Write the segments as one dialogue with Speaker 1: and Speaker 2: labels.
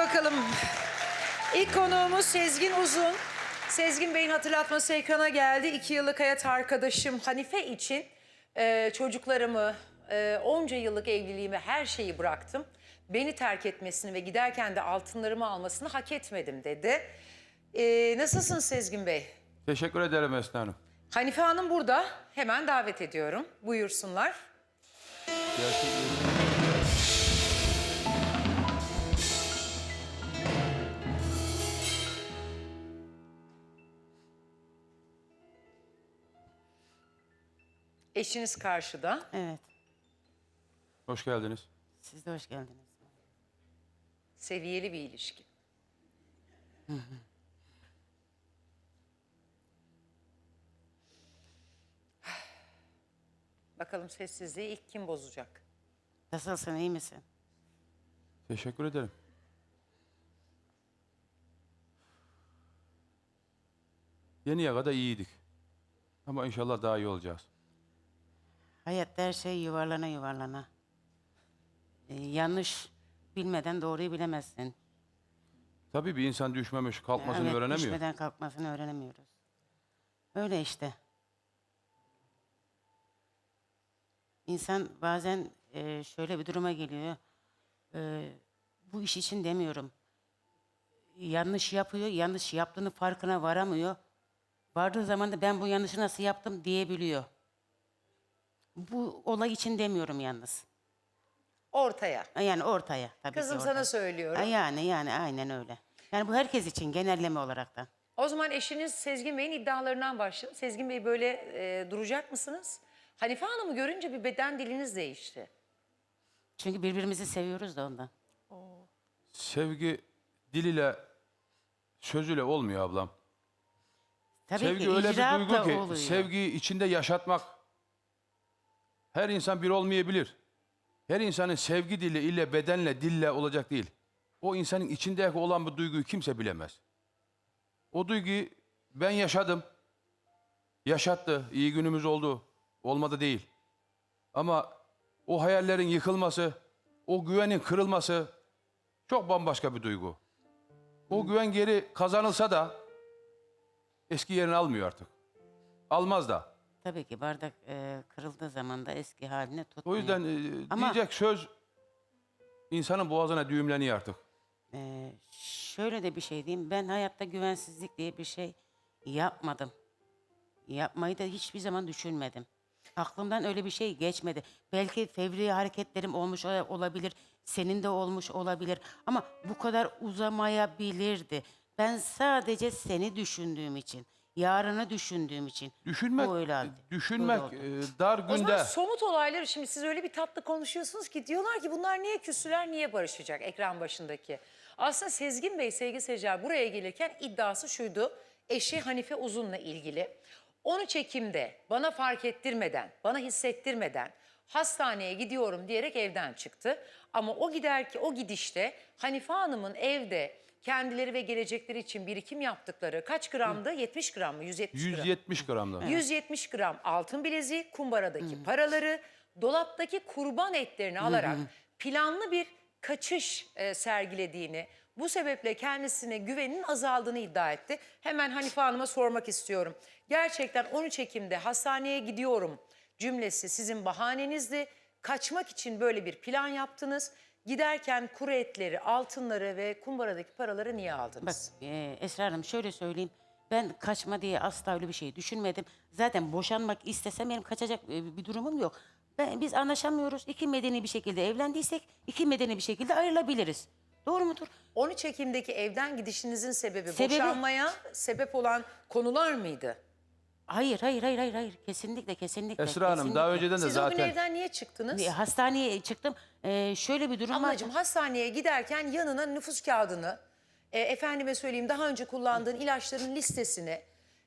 Speaker 1: bakalım. İlk konuğumuz Sezgin Uzun. Sezgin Bey'in hatırlatması ekrana geldi. 2 yıllık hayat arkadaşım Hanife için çocuklarımı, onca yıllık evliliğimi, her şeyi bıraktım. Beni terk etmesini ve giderken de altınlarımı almasını hak etmedim dedi. Nasılsın Sezgin Bey?
Speaker 2: Teşekkür ederim Esna Hanım.
Speaker 1: Hanife Hanım burada. Hemen davet ediyorum. Buyursunlar. Eşiniz karşıda.
Speaker 3: Evet.
Speaker 2: Hoş geldiniz.
Speaker 3: Siz de hoş geldiniz.
Speaker 1: Seviyeli bir ilişki. Bakalım sessizliği ilk kim bozacak?
Speaker 3: Nasılsın, iyi misin?
Speaker 2: Teşekkür ederim. Yeniye kadar iyiydik. Ama inşallah daha iyi olacağız.
Speaker 3: Hayatta her şey yuvarlana yuvarlana. Yanlış bilmeden doğruyu bilemezsin.
Speaker 2: Tabii bir insan düşmemiş, kalkmasını
Speaker 3: Evet,
Speaker 2: öğrenemiyor.
Speaker 3: düşmeden kalkmasını öğrenemiyoruz. Öyle işte. İnsan bazen şöyle bir duruma geliyor. Bu iş için demiyorum. Yanlış yapıyor, yanlış yaptığını farkına varamıyor. Vardığı zaman da ben bu yanlışı nasıl yaptım diyebiliyor. Bu olay için demiyorum yalnız.
Speaker 1: Ortaya.
Speaker 3: Yani ortaya tabii
Speaker 1: Kızım
Speaker 3: ki
Speaker 1: sana
Speaker 3: ortaya.
Speaker 1: söylüyorum.
Speaker 3: Yani aynen öyle. Yani bu herkes için genelleme olarak da.
Speaker 1: O zaman eşiniz Sezgin Bey'in iddialarından başlayalım. Sezgin Bey böyle duracak mısınız? Hanife Hanım'ı görünce bir beden diliniz değişti.
Speaker 3: Çünkü birbirimizi seviyoruz da ondan.
Speaker 2: Sevgi dil ile, söz ile olmuyor ablam.
Speaker 3: Tabii
Speaker 2: Sevgi
Speaker 3: ki
Speaker 2: öyle bir
Speaker 3: icraat
Speaker 2: duygu
Speaker 3: da
Speaker 2: ki,
Speaker 3: oluyor.
Speaker 2: sevgiyi içinde yaşatmak. Her insan bir olmayabilir. Her insanın sevgi dili ile, bedenle, dille olacak değil. O insanın içinde olan bu duyguyu kimse bilemez. O duyguyu ben yaşadım. Yaşattı, iyi günümüz oldu. Olmadı değil. Ama o hayallerin yıkılması, o güvenin kırılması çok bambaşka bir duygu. O güven geri kazanılsa da eski yerini almıyor artık. Almaz da.
Speaker 3: Tabii ki bardak kırıldığı zaman da eski haline tutmuyor.
Speaker 2: O yüzden
Speaker 3: Ama-
Speaker 2: diyecek söz insanın boğazına düğümleniyor artık.
Speaker 3: Şöyle de bir şey diyeyim. Ben hayatta güvensizlik diye bir şey yapmadım. Yapmayı da hiçbir zaman düşünmedim. Aklımdan öyle bir şey geçmedi. Belki fevri hareketlerim olmuş olabilir. Senin de olmuş olabilir. Ama bu kadar uzamayabilirdi. Ben sadece seni düşündüğüm için, yarını düşündüğüm için.
Speaker 2: Düşünmek,
Speaker 3: bu öyle oldu.
Speaker 2: düşünmek
Speaker 3: Böyle oldu.
Speaker 2: dar
Speaker 1: O zaman
Speaker 2: günde.
Speaker 1: somut olayları şimdi siz öyle bir tatlı konuşuyorsunuz ki diyorlar ki bunlar niye küsüler, niye barışacak ekran başındaki. Aslında Sezgin Bey, sevgili seyirciler, buraya gelirken iddiası şuydu. Eşi Hanife Uzun'la ilgili. Onu çekimde bana fark ettirmeden, bana hissettirmeden hastaneye gidiyorum diyerek evden çıktı. Ama o gidişte Hanife Hanım'ın evde kendileri ve gelecekleri için birikim yaptıkları kaç gramdı? 70 gram mı? 170 gram.
Speaker 2: 170 gramda.
Speaker 1: 170 gram altın bileziği, kumbaradaki paraları, dolaptaki kurban etlerini alarak planlı bir kaçış sergilediğini, bu sebeple kendisine güveninin azaldığını iddia etti. Hemen Hanife Hanım'a sormak istiyorum. Gerçekten 13 Ekim'de hastaneye gidiyorum cümlesi sizin bahanenizdi. Kaçmak için böyle bir plan yaptınız. Giderken kuru etleri, altınları ve kumbaradaki paraları niye
Speaker 3: Bak
Speaker 1: aldınız?
Speaker 3: Esra Hanım şöyle söyleyeyim. Ben kaçma diye asla öyle bir şey düşünmedim. Zaten boşanmak istesem benim kaçacak bir durumum yok. Biz anlaşamıyoruz. İki medeni bir şekilde evlendiysek iki medeni bir şekilde ayrılabiliriz. Doğru mudur?
Speaker 1: 13 Ekim'deki evden gidişinizin sebebi
Speaker 3: Sebebi-
Speaker 1: boşanmaya sebep olan konular mıydı?
Speaker 3: Hayır. Kesinlikle.
Speaker 2: Esra Hanım daha önceden de
Speaker 1: Siz o gün
Speaker 2: zaten
Speaker 1: evden niye çıktınız?
Speaker 3: Hastaneye çıktım. Şöyle bir durum var.
Speaker 1: Ablacığım hastaneye giderken yanına nüfus kağıdını, efendime söyleyeyim daha önce kullandığın ilaçların listesini,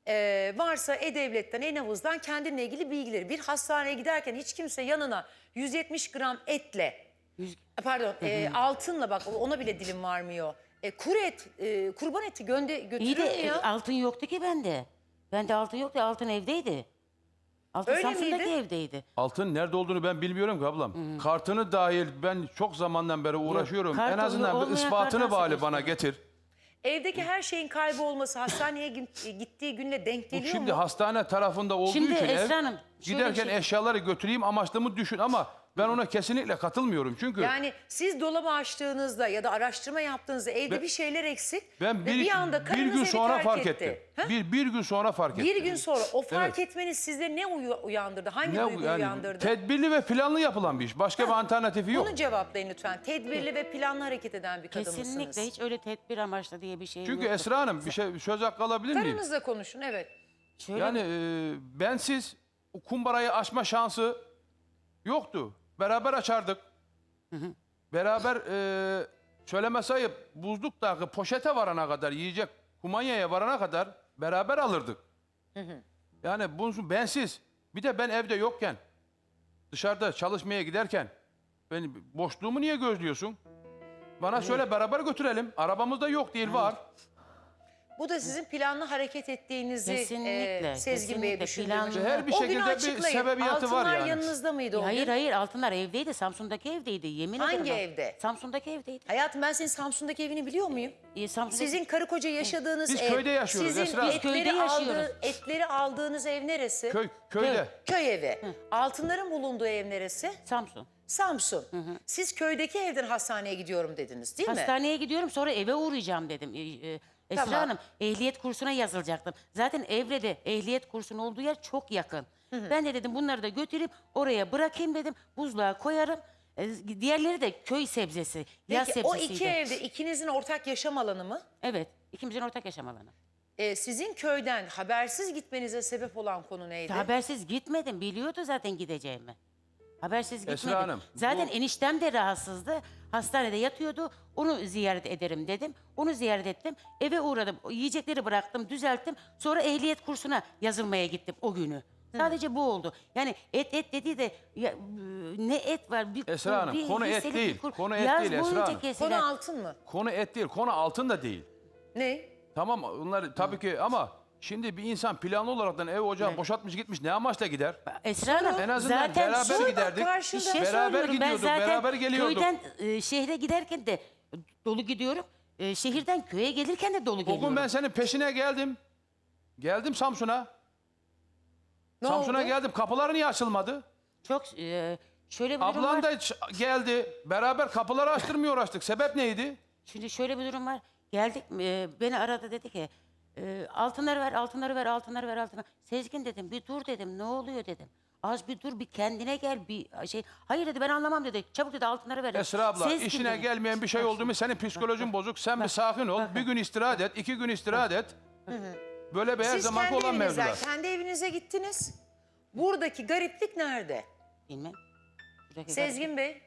Speaker 1: varsa E-Devlet'ten, E-Nabız'dan kendinle ilgili bilgileri. Bir hastaneye giderken hiç kimse yanına 170 gram etle, pardon altınla, bak ona bile dilim varmıyor. Kuru et, kurban eti
Speaker 3: İyi
Speaker 1: götürür mü
Speaker 3: de
Speaker 1: ya?
Speaker 3: altın yoktu ki bende. Bende altın yoktu. Altın evdeydi. Altın
Speaker 1: Öyle
Speaker 3: Samsun'daki
Speaker 1: miydi?
Speaker 3: evdeydi.
Speaker 2: Altın nerede olduğunu ben bilmiyorum ki ablam. Kartını dahil ben çok zamandan beri uğraşıyorum.
Speaker 3: kartı
Speaker 2: En azından bir
Speaker 3: olmayan
Speaker 2: ispatını
Speaker 3: kart nasıl
Speaker 2: bari bana
Speaker 3: gösterir?
Speaker 2: getir.
Speaker 1: Evdeki her şeyin kaybolması hastaneye gittiği günle denk
Speaker 2: Bu
Speaker 1: geliyor
Speaker 2: şimdi
Speaker 1: mu?
Speaker 2: hastane tarafında olduğu
Speaker 3: Şimdi
Speaker 2: için
Speaker 3: Esra Hanım, şöyle
Speaker 2: giderken
Speaker 3: bir şey-
Speaker 2: eşyaları götüreyim amaçlamı düşün ama ben ona kesinlikle katılmıyorum. Çünkü
Speaker 1: Yani siz dolabı açtığınızda ya da araştırma yaptığınızda evde
Speaker 2: Ben-
Speaker 1: bir şeyler eksik
Speaker 2: ben
Speaker 1: ve bir anda
Speaker 2: bir
Speaker 1: karınız
Speaker 2: gün
Speaker 1: evi
Speaker 2: sonra
Speaker 1: terk
Speaker 2: fark
Speaker 1: etti.
Speaker 2: ettim.
Speaker 1: Ha?
Speaker 2: Bir gün sonra fark ettim.
Speaker 1: Bir gün sonra o fark
Speaker 2: Evet.
Speaker 1: etmeniz sizde ne uyandırdı? Hangi
Speaker 2: Ne
Speaker 1: duygu
Speaker 2: yani
Speaker 1: uyandırdı?
Speaker 2: tedbirli ve planlı yapılan bir iş. Başka bir alternatifi yok.
Speaker 1: Bunu cevaplayın lütfen. Tedbirli ve planlı hareket eden bir kadın
Speaker 3: Kesinlikle
Speaker 1: mısınız?
Speaker 3: hiç öyle tedbir amaçlı diye bir şey
Speaker 2: Çünkü
Speaker 3: yoktu.
Speaker 2: Esra Hanım bir söz hakkı alabilir miyim?
Speaker 1: Karınızla konuşun, evet.
Speaker 3: Şöyle
Speaker 2: Yani bensiz o kumbarayı açma şansı yoktu. Beraber açardık. Beraber söyleme sayıp buzluktaki poşete varana kadar yiyecek kumanyaya varana kadar beraber alırdık. Yani bunu bensiz bir de ben evde yokken dışarıda çalışmaya giderken ben boşluğumu niye gözlüyorsun? Bana söyle beraber götürelim. Arabamız da yok değil var.
Speaker 1: Bu da sizin planlı hareket ettiğinizi
Speaker 3: Kesinlikle,
Speaker 1: Sezgin Bey'e
Speaker 3: kesinlikle
Speaker 1: düşündürmüş.
Speaker 3: planlı.
Speaker 2: Her bir
Speaker 1: O
Speaker 2: şekilde
Speaker 1: günü
Speaker 2: bir
Speaker 1: açıklayın.
Speaker 2: sebebiyatı var
Speaker 1: Altınlar
Speaker 2: yani.
Speaker 1: yanınızda mıydı o
Speaker 3: hayır
Speaker 1: gün?
Speaker 3: hayır altınlar evdeydi. Samsun'daki evdeydi. Yemin ederim.
Speaker 1: Hangi
Speaker 3: bak.
Speaker 1: evde?
Speaker 3: Samsun'daki evdeydi.
Speaker 1: Hayatım ben senin Samsun'daki evini biliyor muyum?
Speaker 3: Samsun'daki...
Speaker 1: Sizin karı koca yaşadığınız
Speaker 2: Biz
Speaker 1: ev.
Speaker 2: köyde yaşıyoruz
Speaker 1: Sizin
Speaker 2: Esra. Biz
Speaker 1: etleri,
Speaker 3: köyde yaşıyoruz.
Speaker 1: etleri aldığınız ev neresi?
Speaker 2: Köyde.
Speaker 1: Köy evi. Altınların bulunduğu ev neresi?
Speaker 3: Samsun.
Speaker 1: Samsun. Siz köydeki evden hastaneye gidiyorum dediniz değil mi?
Speaker 3: Hastaneye gidiyorum sonra eve uğrayacağım dedim. Esra
Speaker 1: Tamam.
Speaker 3: Hanım ehliyet kursuna yazılacaktım. Zaten Evre'de ehliyet kursunun olduğu yer çok yakın. Ben de dedim bunları da götürüp oraya bırakayım dedim. Buzluğa koyarım. Diğerleri de köy sebzesi. Yaz
Speaker 1: Peki o
Speaker 3: sebzesiydi.
Speaker 1: iki evde ikinizin ortak yaşam alanı mı?
Speaker 3: Evet. İkimizin ortak yaşam alanı.
Speaker 1: Sizin köyden habersiz gitmenize sebep olan konu neydi?
Speaker 3: Habersiz gitmedim. Biliyordu zaten gideceğimi. Habersiz
Speaker 2: Esra
Speaker 3: gitmedim.
Speaker 2: Hanım,
Speaker 3: Zaten
Speaker 2: bu-
Speaker 3: eniştem de rahatsızdı. Hastanede yatıyordu. Onu ziyaret ederim dedim. Onu ziyaret ettim. Eve uğradım. Yiyecekleri bıraktım, düzelttim. Sonra ehliyet kursuna yazılmaya gittim o günü. Sadece bu oldu. Yani et dediği de ya, ne et var? Bir,
Speaker 2: Esra Hanım,
Speaker 3: bir
Speaker 2: konu et
Speaker 3: hisselik
Speaker 2: değil.
Speaker 3: bir kur-
Speaker 2: Konu et
Speaker 3: Yaz
Speaker 2: değil Esra
Speaker 3: boyunca
Speaker 2: Hanım.
Speaker 3: kesilen.
Speaker 1: Konu altın mı?
Speaker 2: Konu et değil, konu altın da değil.
Speaker 1: Ne?
Speaker 2: Tamam onlar tabii ki ama şimdi bir insan planlı olaraktan ev ocağı boşaltmış gitmiş ne amaçla gider?
Speaker 3: Esra Hanım
Speaker 2: En azından
Speaker 3: zaten
Speaker 2: beraber
Speaker 3: şu-
Speaker 2: giderdik.
Speaker 1: karşında-
Speaker 3: Bir şey
Speaker 2: beraber
Speaker 3: söylüyorum. Ben
Speaker 2: gidiyorduk,
Speaker 3: zaten
Speaker 2: beraber geliyorduk.
Speaker 3: köyden şehre giderken de dolu gidiyorum. Şehirden köye gelirken de dolu
Speaker 2: O
Speaker 3: geliyorum.
Speaker 2: gün ben senin peşine geldim. Geldim Samsun'a.
Speaker 1: Ne
Speaker 2: Samsun'a
Speaker 1: oldu?
Speaker 2: geldim. Kapıları niye açılmadı?
Speaker 3: Çok şöyle bir durum
Speaker 2: Ablan
Speaker 3: var.
Speaker 2: da geldi. Beraber kapıları açtırmıyor uğraştık. Sebep neydi?
Speaker 3: Şimdi şöyle bir durum var. Geldik beni aradı dedi ki altınları ver, altınları ver, altınları ver, altınları. Sezgin dedim bir dur dedim ne oluyor dedim. Az bir dur bir kendine gel bir şey. Hayır dedi ben anlamam dedi. Çabuk dedi altınları ver.
Speaker 2: Esra abla
Speaker 3: Sezgin
Speaker 2: işine
Speaker 3: dedi.
Speaker 2: gelmeyen bir şey oldu mu senin psikolojin bozuk. Sen bir sakin ol. Bir gün istirahat et. 2 gün istirahat et. Böyle bir her
Speaker 1: Siz
Speaker 2: zamanki
Speaker 1: kendi
Speaker 2: olan
Speaker 1: evinizden,
Speaker 2: mevzular.
Speaker 1: kendi evinize gittiniz. Buradaki gariplik nerede?
Speaker 3: Bilmem. Buradaki
Speaker 1: Sezgin Bey.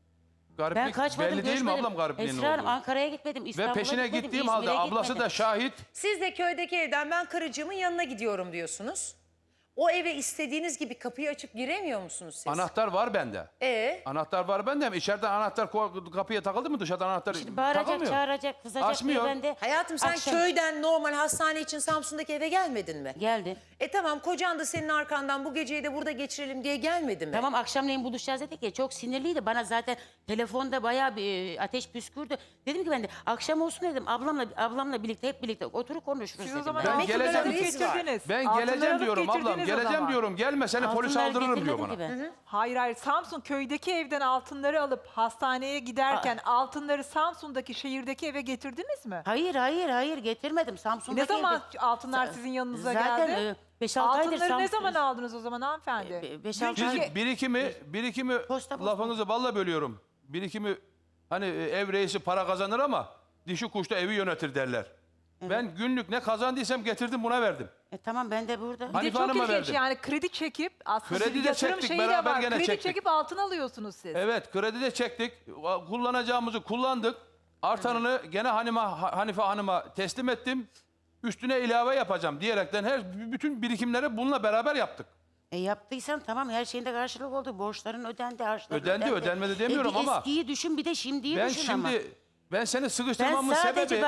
Speaker 3: ben
Speaker 2: Gariplik
Speaker 3: kaçmadım
Speaker 2: belli değil mi
Speaker 3: göçmedim.
Speaker 2: ablam garipliğin
Speaker 3: Esra Hanım
Speaker 2: olduğu?
Speaker 3: Ankara'ya gitmedim.
Speaker 2: Ve
Speaker 3: İstanbul'a
Speaker 2: peşine
Speaker 3: gitmedim,
Speaker 2: gittiğim
Speaker 3: İzmir'e
Speaker 2: halde ablası
Speaker 3: gitmedim.
Speaker 2: da şahit.
Speaker 1: Siz de köydeki evden ben karıcığımın yanına gidiyorum diyorsunuz. O eve istediğiniz gibi kapıyı açıp giremiyor musunuz siz?
Speaker 2: Anahtar var bende. Anahtar var bende ama içeriden anahtar kapıya takıldı mı dışarıdan anahtar
Speaker 3: Şimdi bağıracak,
Speaker 2: takılmıyor.
Speaker 3: çağıracak, kızacak
Speaker 2: Açmıyor.
Speaker 3: diye ben de...
Speaker 1: Hayatım sen
Speaker 3: akşam-
Speaker 1: köyden normal hastane için Samsun'daki eve gelmedin mi?
Speaker 3: Geldi.
Speaker 1: Tamam kocan da senin arkandan bu geceyi de burada geçirelim diye gelmedi mi?
Speaker 3: Tamam akşamleyin buluşacağız dedik ya çok sinirliydi. Bana zaten telefonda bayağı bir ateş püskürdü. Dedim ki ben de akşam olsun dedim ablamla birlikte hep birlikte oturup konuşuruz
Speaker 4: Siz
Speaker 3: dedim.
Speaker 4: o zaman
Speaker 2: Ben
Speaker 4: altınları
Speaker 2: geleceğim.
Speaker 4: alıp getirdiniz.
Speaker 2: Ben
Speaker 4: Altınları
Speaker 2: geleceğim
Speaker 4: alıp
Speaker 2: diyorum ablam.
Speaker 4: getirdiniz o
Speaker 2: Geleceğim
Speaker 4: zaman.
Speaker 2: diyorum. Gelme seni polis
Speaker 3: Altınları
Speaker 2: aldırırım diyor bana.
Speaker 3: getirmedim ki ben.
Speaker 4: Hayır hayır Samsun köydeki evden altınları alıp hastaneye giderken altınları Samsun'daki şehirdeki eve getirdiniz mi?
Speaker 3: Hayır getirmedim. Samsun'daki
Speaker 4: Ne zaman
Speaker 3: evde-
Speaker 4: altınlar sizin yanınıza
Speaker 3: Zaten
Speaker 4: geldi?
Speaker 3: 5-6 aydır
Speaker 4: Altınları ne
Speaker 3: Samsun-
Speaker 4: zaman aldınız o zaman hanımefendi?
Speaker 3: 5-6
Speaker 4: Çünkü-
Speaker 3: ay.
Speaker 2: Birikimi
Speaker 3: Posta.
Speaker 2: lafınızı balla bölüyorum. Birikimi hani ev reisi para kazanır ama dişi kuşta evi yönetir derler. Ben günlük ne kazandıysam getirdim buna verdim.
Speaker 3: Tamam ben de burada.
Speaker 4: Bir
Speaker 2: Hani-
Speaker 4: de
Speaker 2: Hanife
Speaker 4: çok
Speaker 2: Hanım'a
Speaker 4: ilginç
Speaker 2: verdim.
Speaker 4: yani kredi çekip aslında
Speaker 2: Kredi
Speaker 4: bir
Speaker 2: de
Speaker 4: yatırım
Speaker 2: çektik,
Speaker 4: şeyi de
Speaker 2: beraber
Speaker 4: var.
Speaker 2: gene
Speaker 4: Kredi
Speaker 2: çektik.
Speaker 4: çekip altın alıyorsunuz siz.
Speaker 2: Evet kredi de çektik. Kullanacağımızı kullandık. Artanını gene Hanife Hanım'a teslim ettim. Üstüne ilave yapacağım diyerekten bütün birikimleri bununla beraber yaptık.
Speaker 3: Yaptıysan tamam her şeyinde karşılık oldu. Borçların ödendi, harçların
Speaker 2: Ödendi, ödenmedi demiyorum
Speaker 3: bir
Speaker 2: ama-
Speaker 3: eskiyi düşün bir de şimdiyi
Speaker 2: Ben
Speaker 3: düşün ama.
Speaker 2: ben seni
Speaker 3: Ben
Speaker 2: sıkıştırmamın
Speaker 3: sadece
Speaker 2: sebebi...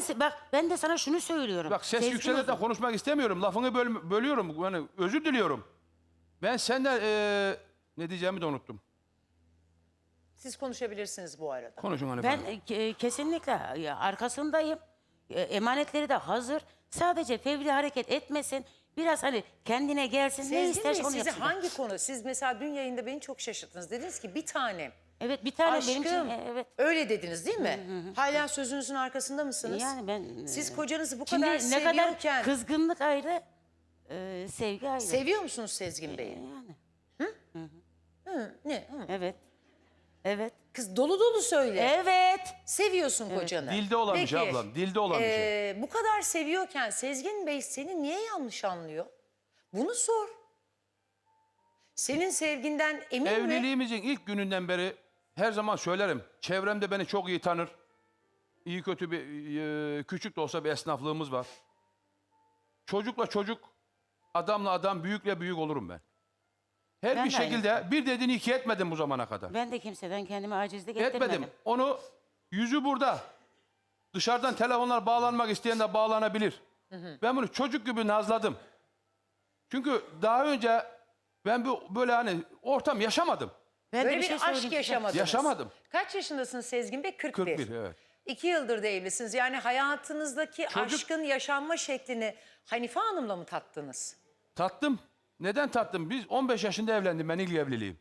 Speaker 3: ben de sana şunu söylüyorum.
Speaker 2: Bak ses
Speaker 3: Sezgin
Speaker 2: yükselerek de
Speaker 3: Hanım.
Speaker 2: konuşmak istemiyorum. Lafını bölüyorum. Yani özür diliyorum. Ben senden ne diyeceğimi de unuttum.
Speaker 1: Siz konuşabilirsiniz bu arada.
Speaker 2: Konuşun Hanife
Speaker 3: Ben
Speaker 2: Hanım.
Speaker 3: kesinlikle arkasındayım. Emanetleri de hazır. Sadece fevri hareket etmesin. Biraz hani kendine gelsin. Ne
Speaker 1: Sezgin Bey,
Speaker 3: isterse onu
Speaker 1: sizi
Speaker 3: yapsın.
Speaker 1: hangi konu? Siz mesela dün yayında beni çok şaşırttınız. Dediniz ki bir tanem.
Speaker 3: Evet, bir tane
Speaker 1: Aşkım.
Speaker 3: benim için evet.
Speaker 1: Öyle dediniz değil mi? Hala sözünüzün arkasında mısınız?
Speaker 3: Yani ben
Speaker 1: Siz kocanızı bu
Speaker 3: şimdi
Speaker 1: kadar
Speaker 3: ne
Speaker 1: seviyorken
Speaker 3: kadar kızgınlık ayrı, sevgi ayrı.
Speaker 1: seviyor musunuz Sezgin Bey'i?
Speaker 3: Yani.
Speaker 1: Hı, ne? Hı.
Speaker 3: Evet. Evet.
Speaker 1: Kız dolu dolu söyle.
Speaker 3: Evet.
Speaker 1: Seviyorsun kocanı.
Speaker 2: Dilde olan bir şey
Speaker 1: Peki,
Speaker 2: ablam. Dilde olan bir şey.
Speaker 1: Bu kadar seviyorken Sezgin Bey seni niye yanlış anlıyor? Bunu sor. Senin sevginden emin mi?
Speaker 2: Evliliğimizin ilk gününden beri her zaman söylerim. Çevremde beni çok iyi tanır. İyi kötü bir küçük de olsa bir esnaflığımız var. Çocukla çocuk, adamla adam, büyükle büyük olurum ben. Her
Speaker 3: Ben
Speaker 2: bir
Speaker 3: de
Speaker 2: şekilde bir dediğini iki etmedim bu zamana kadar.
Speaker 3: Ben de kimseden kendime acizlik ettirmedim.
Speaker 2: Etmedim. Onu yüzü burada. Dışarıdan telefonlar bağlanmak isteyen de bağlanabilir. Ben bunu çocuk gibi nazladım. Çünkü daha önce ben böyle hani ortam yaşamadım.
Speaker 3: Ben de
Speaker 1: Böyle bir,
Speaker 3: şey
Speaker 1: aşk
Speaker 3: söyleyeyim size.
Speaker 1: yaşamadınız.
Speaker 2: Yaşamadım.
Speaker 1: Kaç yaşındasınız Sezgin Bey? 41.
Speaker 2: 41 evet.
Speaker 1: 2 yıldır da evlisiniz. Yani hayatınızdaki
Speaker 2: Çocuk-
Speaker 1: aşkın yaşanma şeklini Hanife Hanım'la mı tattınız?
Speaker 2: Tattım. Neden tattım? Biz 15 yaşında evlendim ben ilk evliliğim.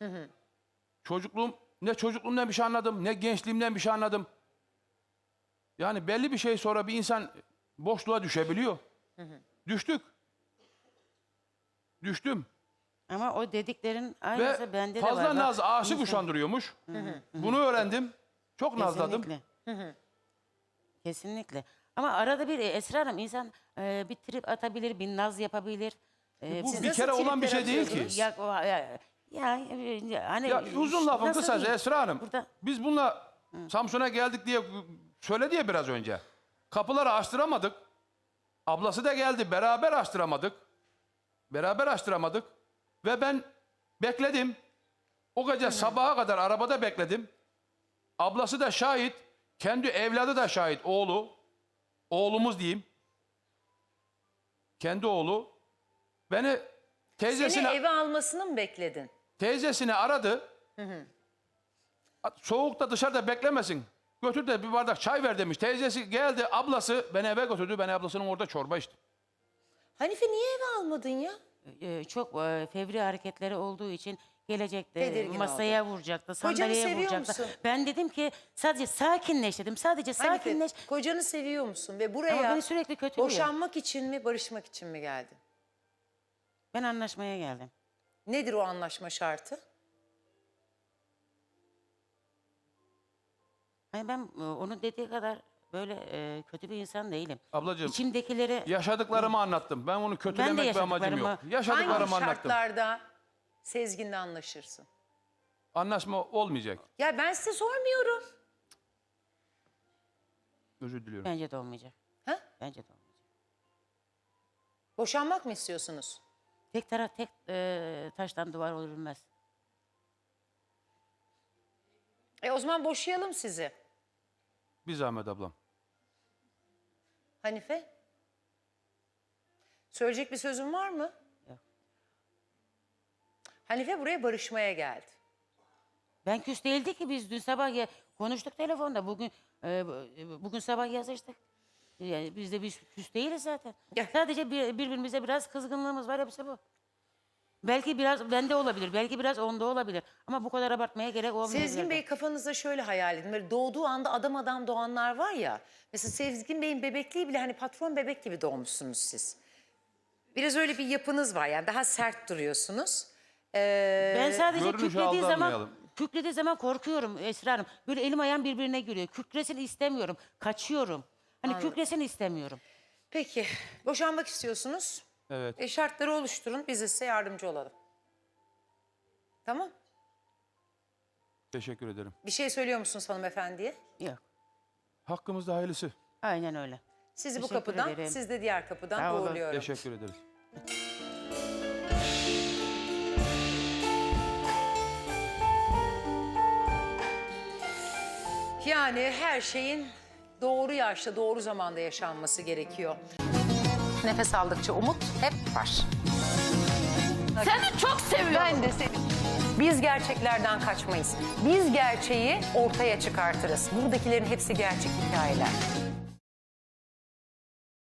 Speaker 2: Ne çocukluğumdan bir şey anladım, ne gençliğimden bir şey anladım. Yani belli bir şey sonra bir insan boşluğa düşebiliyor. Düştük. Düştüm.
Speaker 3: Ama o dediklerin
Speaker 2: Ve
Speaker 3: aynısı bende de var.
Speaker 2: fazla
Speaker 3: Bak,
Speaker 2: naz aşık
Speaker 3: insan-
Speaker 2: uşandırıyormuş. Bunu öğrendim. Çok nazladım.
Speaker 3: Kesinlikle. Kesinlikle. Ama arada bir Esra Hanım insan bir trip atabilir, bir naz yapabilir.
Speaker 2: Bu
Speaker 1: Siz
Speaker 2: bir
Speaker 1: nasıl
Speaker 2: kere olan bir
Speaker 1: tripler
Speaker 2: şey değil ki.
Speaker 1: atıyordunuz?
Speaker 3: Hani
Speaker 2: Ya uzun lafın
Speaker 3: nasıl
Speaker 2: kısası
Speaker 3: diyeyim?
Speaker 2: Esra Hanım.
Speaker 3: Burada
Speaker 2: Biz bununla Samsun'a geldik diye söyledi ya biraz önce. Kapıları açtıramadık. Ablası da geldi. Beraber açtıramadık. Beraber açtıramadık. Ve ben bekledim. O gece sabaha kadar arabada bekledim. Ablası da şahit. Kendi evladı da şahit. Oğlu. Oğlumuz diyeyim. Kendi oğlu. Beni
Speaker 1: Seni
Speaker 2: teyzesine...
Speaker 1: eve almasını mı bekledin?
Speaker 2: Teyzesini aradı. Soğukta dışarıda beklemesin. Götür de bir bardak çay ver demiş. Teyzesi geldi, ablası beni eve götürdü. Ben ablasının orada çorba içtim.
Speaker 1: Hanife niye eve almadın ya?
Speaker 3: çok fevri hareketleri olduğu için gelecekte
Speaker 1: Tedirgin
Speaker 3: masaya vuracaktı, sandalyeye
Speaker 1: seviyor
Speaker 3: vuracaktı.
Speaker 1: musun?
Speaker 3: Ben dedim ki sadece sakinleş dedim. Sadece sakinleş.
Speaker 1: Hanife, kocanı seviyor musun? Ve
Speaker 3: Ama
Speaker 1: buraya
Speaker 3: beni sürekli kötülüyor.
Speaker 1: boşanmak için mi, barışmak için mi geldin?
Speaker 3: Ben anlaşmaya geldim.
Speaker 1: Nedir o anlaşma şartı?
Speaker 3: Hani ben onun dediği kadar böyle kötü bir insan değilim.
Speaker 2: Ablacığım,
Speaker 3: İçimdekileri
Speaker 2: yaşadıklarımı anlattım. Ben onu kötülemek bir amacım yok.
Speaker 1: Hangi
Speaker 2: Yaşadıklarımı anlattım.
Speaker 1: şartlarda Sezgin'le anlaşırsın?
Speaker 2: Anlaşma olmayacak.
Speaker 1: Ya ben size sormuyorum.
Speaker 2: Özür diliyorum.
Speaker 3: bence de olmayacak.
Speaker 1: Ha?
Speaker 3: Bence de olmayacak.
Speaker 1: Boşanmak mı istiyorsunuz?
Speaker 3: Tek taştan duvar örülmez.
Speaker 1: O zaman boşayalım sizi.
Speaker 2: Bir zahmet ablam.
Speaker 1: Hanife? Söyleyecek bir sözün var mı?
Speaker 3: Yok.
Speaker 1: Hanife buraya barışmaya geldi.
Speaker 3: Ben küs değildi ki biz dün sabah konuştuk telefonda. Bugün sabah yazıştık. Yani biz de küs değiliz zaten.
Speaker 1: Ya.
Speaker 3: Sadece birbirimize biraz kızgınlığımız var, hepsi bu. Belki biraz bende olabilir, belki biraz onda olabilir. Ama bu kadar abartmaya gerek olmayabilir.
Speaker 1: Sezgin Bey kafanızda şöyle hayal edin. Böyle doğduğu anda adam doğanlar var ya. Mesela Sezgin Bey'in bebekliği bile hani patron bebek gibi doğmuşsunuz siz. Biraz öyle bir yapınız var yani daha sert duruyorsunuz.
Speaker 3: Ben sadece
Speaker 2: Görünüşe aldanmayalım.
Speaker 3: kükrediği zaman korkuyorum Esra Hanım. Böyle elim ayağım birbirine giriyor. Kükresin istemiyorum, kaçıyorum. Hani kükresin istemiyorum.
Speaker 1: Peki boşanmak istiyorsunuz.
Speaker 2: Evet.
Speaker 1: Şartları oluşturun biz de size yardımcı olalım. Tamam.
Speaker 2: Teşekkür ederim.
Speaker 1: Bir şey söylüyor musunuz hanımefendiye?
Speaker 3: Yok,
Speaker 2: Hakkımızda hayırlısı.
Speaker 3: aynen öyle.
Speaker 1: Sizi bu
Speaker 3: Teşekkür
Speaker 1: kapıdan,
Speaker 3: ederim.
Speaker 1: siz de diğer kapıdan
Speaker 3: Sağ olun.
Speaker 1: uğurluyorum.
Speaker 2: Teşekkür ederiz.
Speaker 1: Yani her şeyin doğru yaşta, doğru zamanda yaşanması gerekiyor. Nefes aldıkça umut hep var.
Speaker 5: Seni çok seviyorum.
Speaker 1: Ben de seni. Biz gerçeklerden kaçmayız. Biz gerçeği ortaya çıkartırız. Buradakilerin hepsi gerçek hikayeler.